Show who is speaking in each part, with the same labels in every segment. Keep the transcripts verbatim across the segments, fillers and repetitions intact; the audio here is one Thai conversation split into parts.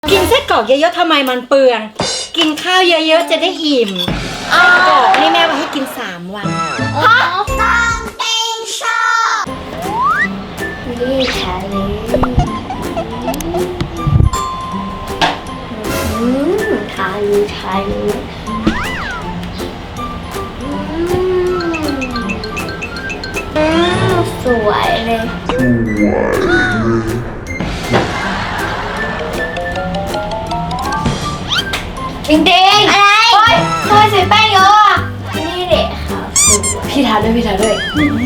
Speaker 1: กินไส้กรอกเยอะๆทำไมมันเปลืองกินข้าวเยอะๆจะได้อิ่มไส้กรอกนี่แม่ว่าให้กินสามวัน
Speaker 2: ฮะต้องเองชอบนี่ชาลีอืมทาลูทาลูอืมสวยเลยจริงจริงอะไรโอ๊ยทำไมใส่แป้งเยอะอ่ะนี่เด็กค่ะพี่ทาด้วยพี่ทาด้วย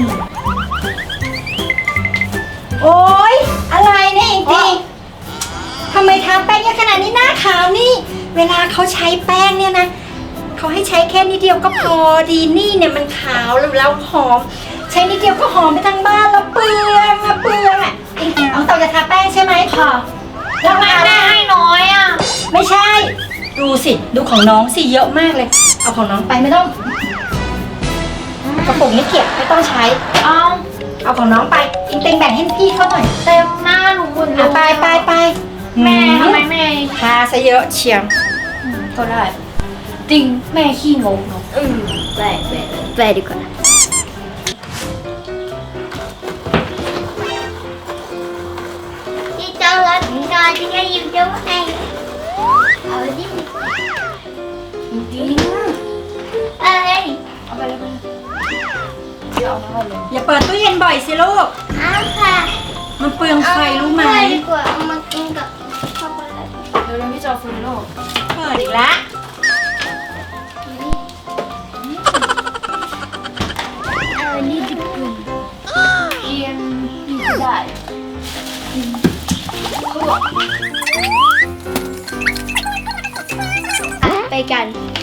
Speaker 1: โอ๊ยอะไรเนี่ยจริงๆทำไมทาแป้งเยอะขนาดนี้หน้าขาวนี่เวลาเขาใช้แป้งเนี่ยนะเขาให้ใช้แค่นิดเดียวก็พอดีนี่เนี่ยมันขาวแล้วหอมใช้นิดเดียวก็หอมไปทั้งบ้านแล้วเปลืองอะเปลืองอะจริงๆน้องเตาจะทาแป้งใช่ไหมค่ะ
Speaker 2: แล้วแม่แม่ให้น้อยอ่ะ
Speaker 1: ไม่ใช่ดูสิดูของน้องสิเยอะมากเลยเอาของน้องไปไม่ต้องกระปุกนี้เก็บไม่ต้องใช้
Speaker 2: เอา
Speaker 1: เอาของน้องไปอิงเต็งแบ่งให้พี่เขาหน่อย
Speaker 2: เต็มหน้าหนูหมดเลย
Speaker 1: ไปไปไป
Speaker 2: แม่ทำไมแม่
Speaker 1: ทาซะเยอะเชียว
Speaker 2: ก็ได้จริงแม่ขี้งงเนาะอืมแปลแปลแปลดีกว่าที่จะรักนอนที่จะยิ้มจะให้เอาดิจริงอะไรเอาไปเลยเดี๋ยวเอามาเลย
Speaker 1: อย่าเปิดตู้เย็นบ่อยสิลูก
Speaker 2: อ้าวค่ะ
Speaker 1: มันเปลืองไฟรู้ไหม
Speaker 2: ดีกว่าเอามากินกับช็อกโกแลตเดี๋ยวเราพี่จอฟูโร่
Speaker 1: เปิดอีกแล้ว
Speaker 2: อันนี้ดิบเอียนดีได้ไปกันไป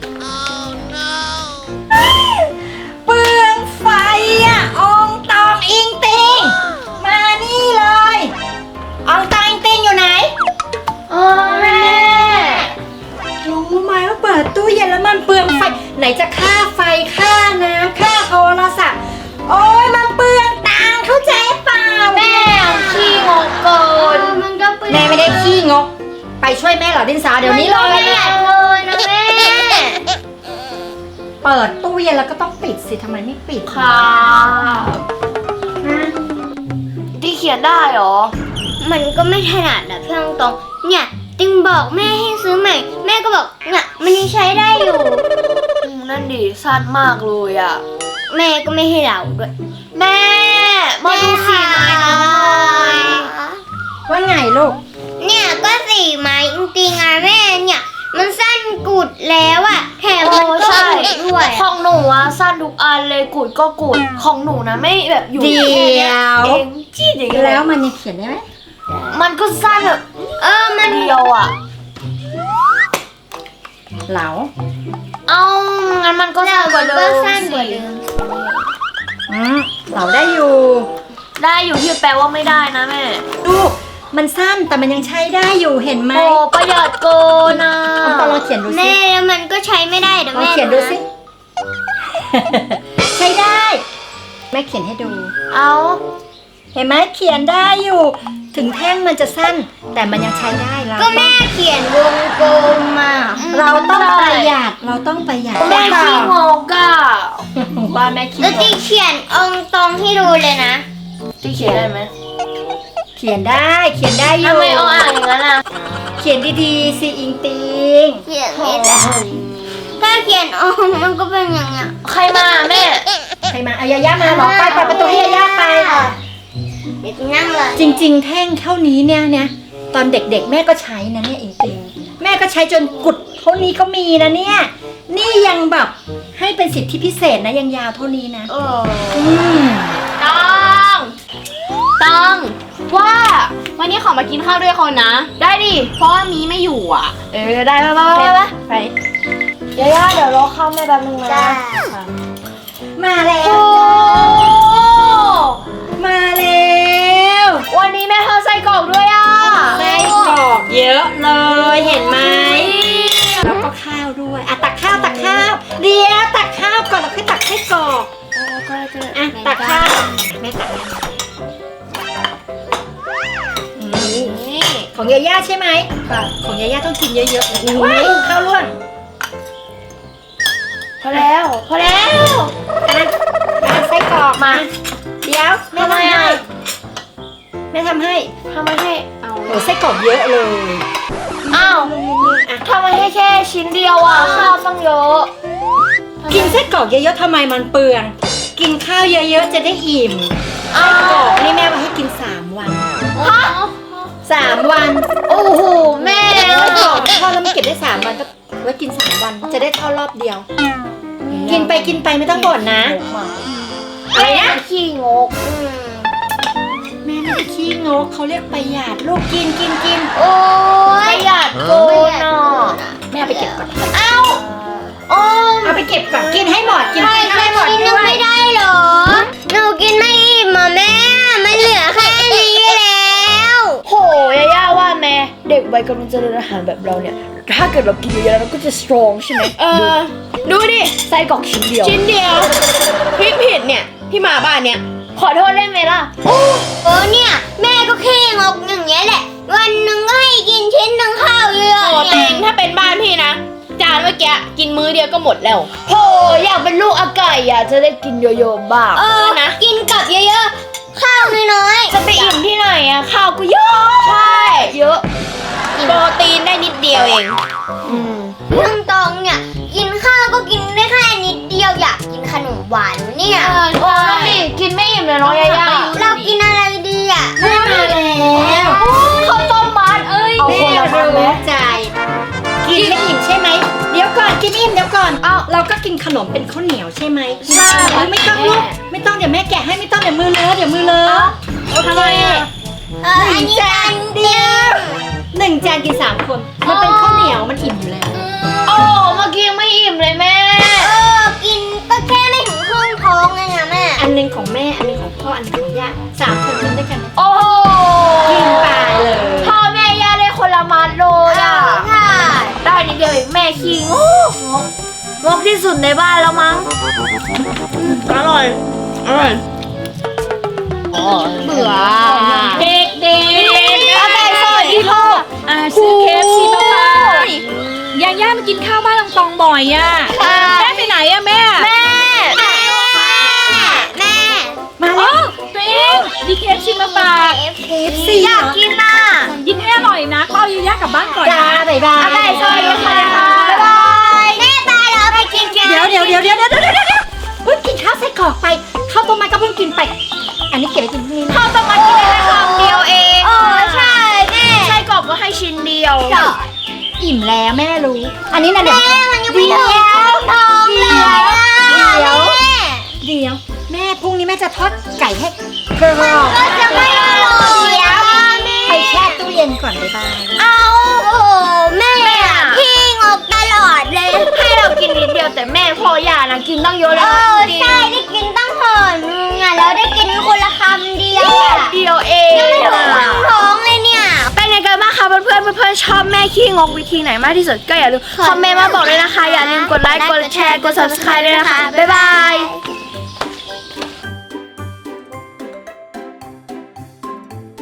Speaker 1: เปลืองไฟอ่ะอองตองอิงติงมานี่เลยอองตองอิงติงอยู่ไหน
Speaker 2: อ๋อแม่
Speaker 1: รู้ไหมว่าเปิดตู้เย็นแล้วมันเปลืองไฟไหนจะค่าไฟค่าน้ำค่าโทรศัพท์โอ้ยมันเปลืองตังค์เข้าใจเปล่า
Speaker 2: แม่ขี้งกเกินมันก็เปลือง
Speaker 1: แม่ไม่ได้ขี้งกไปช่วยแม่เหรอดินสาเดี๋ยวนี้เลย
Speaker 2: เลยนะแม่
Speaker 1: เปิดตู้เย็นแล้วก็ต้องปิดสิทำไมไม่ปิด
Speaker 2: ค่ะที่เขียนได้หรอมันก็ไม่ถนัดอะพี่ตรงเนี่ยติงบอกแม่ให้ซื้อใหม่แม่ก็บอกเนี่ยมันยังใช้ได้อยู่
Speaker 3: นั่นดิสั้นมากเลยอ่ะ
Speaker 2: แม่ก็ไม่ให้เราด้วย
Speaker 3: แม่มาดูสีไม้น้อย
Speaker 1: ว่าไงลูก
Speaker 2: เนี่ยก็สีไม้จริงๆอะแม่เนี่ยมันสั้นกุดแล้วอะแถมมันก็กุดด้วย
Speaker 3: ของหนูอะสั้นทุกอันเลยกุดก็กุดของหนูนะไม่แบบอยู่
Speaker 1: เดียว
Speaker 3: เองจี้เดียว
Speaker 1: แล้วมันยังเขียนได้ไหม
Speaker 3: มันก็สั้นแบบ
Speaker 2: เออมัน
Speaker 3: เดียวอะ
Speaker 1: เหลา
Speaker 3: เอางั้นมันก็สั้นกว่าเดิม
Speaker 2: ก็สั้นกว่าเดิม
Speaker 1: อืมเหลาได้อยู่
Speaker 3: ได้อยู่ที่แปลว่าไม่ได้นะแม่
Speaker 1: ดูมันสั้นแต่มันยังใช้ได้อยู่เห็นไหม
Speaker 3: โอ้ประหยัดโกนะ
Speaker 1: เอาตอนเราเขียนดูสิ
Speaker 2: แม่มันก็ใช้ไม่ได้เดี๋ยวแม่
Speaker 1: เขียนดูสิใช้ได้แม่เขียนให้ดู
Speaker 3: เอา
Speaker 1: เห็นไหมเขียนได้อยู่ถึงแท่งมันจะสั้นแต่มันยังใช้ได้แล้ว
Speaker 2: ก็แม่เขียนวงกลมมา
Speaker 1: เราต้องประหยัดเราต้องประหยัด
Speaker 3: แม่ขี้งกอ่ะ
Speaker 1: ว่าแม่ขี้งก
Speaker 2: แล้วตีเขียนองตรงให้ดูเลยนะ
Speaker 3: ตีเขียนได้ไหม
Speaker 1: เขียนได้เขียนได้อยู่
Speaker 3: ทำไมเอาอ่านอย่างนั้นอ่ะ
Speaker 1: เขียนดีๆสิอิงติง
Speaker 2: เขียนไม่ได้ถ้าเขียนออกมันก็เป็นอย่างเงี้ย
Speaker 3: ใครมาแม่
Speaker 1: ใครมาอายาย่ามาหรอไปเปิดประตูให้ยาย่าไป
Speaker 2: เด็กนั่งเลย
Speaker 1: จริงๆแท่งเท่านี้เนี่ยเนี่ยตอนเด็กๆแม่ก็ใช้นะเนี่ยอิงติงแม่ก็ใช้จนกุดเท่านี้ก็มีนะเนี่ยนี่ยังแบบให้เป็นสิทธิพิเศษนะยังยาวเท่านี้นะ
Speaker 3: เออต้องต้องว่าวันนี้ขอมากินข้าวด้วยคนนะได้ดิเพราะว่ามีไม่อยู่อ่ะเออได้ไปไปไปไปย่าย่าเดี๋ยวรอข้าวแม่แป๊บนึงนะ
Speaker 1: มาแล้วมาแล้ว
Speaker 3: วันนี้แม่ทอดไส้กรอกด้วยอ่ะ
Speaker 1: ไส้กรอกเยอะเลยเห็นไหมแล้วก็ข้าวด้วยอ่ะตักข้าวตักข้าวเดี๋ยวตักข้าวก่อนแล้วค่อยตักไส้กรอกอ่ะตักข้าวแม่ตักเขาของยาย่าใช่ไหมของยาย่าต้องกินเยอะๆว้ายข้าวร่วง
Speaker 3: พอแล้วพอแล้ว
Speaker 1: อ่ะอ่ะไส้กรอกมาเดี๋ยวแม่ทำให้แม่ทำให้
Speaker 3: ทำไมให้เอา
Speaker 1: โอ้ไส้กรอกเยอะเลย
Speaker 3: อ้าวทำไมให้แค่ชิ้นเดียวอ่ะข้าวต้องเยอะ
Speaker 1: กินไส้กรอกเยอะๆทำไมมันเปลืองกินข้าวเยอะๆจะได้อิ่ม
Speaker 3: อ้า
Speaker 1: ไส้กร
Speaker 3: ว
Speaker 1: อกนี่แม่ว่าให้กินสามวัน
Speaker 3: ฮะ
Speaker 1: สามวัน
Speaker 3: โอ้โหแม่
Speaker 1: ไส้กรอกทอดแล้วมันเก็บได้สามวันก็ไว้กินสามวันจะได้ทอดรอบเดียว กินไปกินไปไม่ต้องบ่นนะอะไรนะ
Speaker 3: ขี้งก
Speaker 1: แม่ไม่ได้ขี้งกเขาเรียกประหยัดลูกกินกินกิน
Speaker 2: โอ้
Speaker 3: ป
Speaker 2: ย
Speaker 3: ระหยัดโกนอ่ะ
Speaker 1: แม่เอาไปเก็บก่อน
Speaker 3: เอ้าโอ้
Speaker 1: เอาไปเก็บก่อนกินให้หมดกิน
Speaker 2: ใช่
Speaker 1: ให้หมด
Speaker 2: กิน
Speaker 1: ด้
Speaker 2: ยัง
Speaker 1: วย
Speaker 2: ไม่ได้เหรอ หนูกินไม่อิ่มอ่ะแม่ มันเหลือแค่นี้แล้ว
Speaker 3: โหยาย่าว่าแม่เด็กวัยกำลังเจริญอาหารแบบเราเนี่ยถ้าเกิดเรากินเยอะๆเราก็จะสตรองใช่ไหมเออดูดิไส้กรอกชิ้นเดียวชิ้นเดียวพี่ผิดเนี่ยพี่มาบ้านเนี่ยขอโทษได้ไหมล่ะ
Speaker 2: โอ้โอ้เนี่ย แม่ก็ขี้งกอย่างเงี้ยแหละ วันหนึ่งก็ให้กินชิ้นหนึ่งข้าวเยอะ
Speaker 3: โอ้
Speaker 2: เนี่
Speaker 3: เต็
Speaker 2: ย
Speaker 3: งถ้าเป็นบ้านพี่นะ จานเมื่อกี้กินมื้อเดียวก็หมดแล้วโหอยากเป็นลูกอาไก่อยากจะได้กินเยอะๆบ้าง
Speaker 2: เออ
Speaker 3: นะ
Speaker 2: กินกับเยอะๆ ข้าวน้อยๆ
Speaker 3: จะไปอิ่มที่ไหนอะข้าวก็เยอะใช่เยอะโปรตีนได้นิดเดียวเองอืม
Speaker 2: เรื่องตองเนี่ย กินข้าวก็กินได้แค่นิดเดียวอยากกินขนมหวานเนี่ย
Speaker 3: เออใช่กินไม่อิ่มเลยน้องยาย่า
Speaker 2: เรากินอะไรดีอ่ะ
Speaker 1: แม่มาแล้ว
Speaker 3: ข้าวต้มมัดเอ้ย
Speaker 1: แม่รู้ใจกินไม่อิ่มใช่ไหมเดี๋ยวก่อนกินอิ่มเดี๋ยวก่อนเอาเราก็กินขนมเป็นข้าวเหนียวใช่ไหมใช่ไม่ต้องลูกไม่ต้องเดี๋ยวแม่แกะให้ไม่ต้องเดี๋ยวมือเลอะเดี๋ยวมือเลอะโอเค
Speaker 2: เอออันนี้จานเดียว
Speaker 1: หนึ่งจานกินสามคนมันเป็นข้าวเหนียวมันอิ่มอยู่แล้ว
Speaker 3: โอ้เมื่อกี้ยังไม่อิ่มเลยแม่
Speaker 2: เออ กินก็แค่ไม่ถึงครึ่งท้องเองอะแม่
Speaker 1: อันหนึงของแม่อันหนึงของพ่ออันหนึงของย่าสามคนกินด้วยกัน
Speaker 3: โอ้โห
Speaker 1: กินไปเลย
Speaker 3: พ่อแม่ย่าได้คนละมัดเลย
Speaker 2: เอ
Speaker 3: อ่ะ
Speaker 2: อใช่
Speaker 3: ได้นิดเดียวเองแม่ขี้งกงกงกที่สุดในบ้านแล้วมั้งอร่อยอร่อยเบื่อเด็กเด็กอะไรสวัสดีค่ะ
Speaker 4: อ่าซื้อเคฟซีมาฝากย่าย่ามากินข้าวบ้านลองตองบ่อยอ่ะแม่ไปไหนอ่ะแม่
Speaker 3: แม่
Speaker 2: แม่ แม่
Speaker 1: มา
Speaker 4: อ๋
Speaker 1: แล้
Speaker 4: อ
Speaker 1: ว
Speaker 4: ตัวเองมีเคฟซีมาฝาก
Speaker 1: เคฟซีอยากกินน่ะ
Speaker 4: กินให้อร่อยนะก็เอาย่าย่ากลับบ้านก่อน
Speaker 1: จ้า
Speaker 4: นะ
Speaker 1: บ๊ายบาย
Speaker 3: อะไรสวัสดีค่ะ
Speaker 2: บ๊ายบายแม่ไปแล้วไปกินกัน
Speaker 1: เดี๋ยวเดี๋ยวเดี๋ยวเดี๋ยวเดี๋ยวเดี๋ยวเดี๋ยวเพิ่งกินข้าวใส่กรอกไปข้าวต้มมัดก็เพิ่งกินไป อันนี้เก็บไว้กินพรุ่งนี้นะ
Speaker 3: ข้าวต้มมัดกินได้แค่คำเดียวเอง
Speaker 2: เออใช่แม่
Speaker 3: ไส้กรอกก็ให้ชิ้นเดียว
Speaker 1: อิ่มแล้วแม่รู้ อันนี้นะเดี๋ยว
Speaker 2: แม่มันยังไม่ถึงครึ่งท้องเลยอะ
Speaker 1: เดี๋ยว
Speaker 2: แม่
Speaker 1: เดี๋ยวแม่พรุ่งนี้แม่จะทอดไก่ให้กรอบ
Speaker 2: ก็จะไม่อร่อยอะแม่
Speaker 1: ไปแช่ตู้เย็นก่อนบ๊ายบาย
Speaker 2: เอาโอ้โหแม่อะพี่งกตลอดเลย
Speaker 3: ให้เรากินนิดเดียวแต่แม่พ่อย่านะกินตั้งเยอะเล
Speaker 2: เอย อใช่ได้กินตั้งห่อนึงอะแล้วได้กินคนละคำเดียวอะ
Speaker 3: เดียวเอง
Speaker 2: ยังไม่ถึงครึ่งท้องเลยเนี่ย
Speaker 3: เป็นไงกันบ้างคะเพื่อนๆเพื่อนๆชอบแม่ขี้งกวิธีไหนมากที่สุดก็อย่าลืมคอมเมนต์มาบอกเลยนะคะ อย่าลืมกดไลค์กดแชร์กด ซับสไครบ์ ด้วยนะคะบ๊ายบาย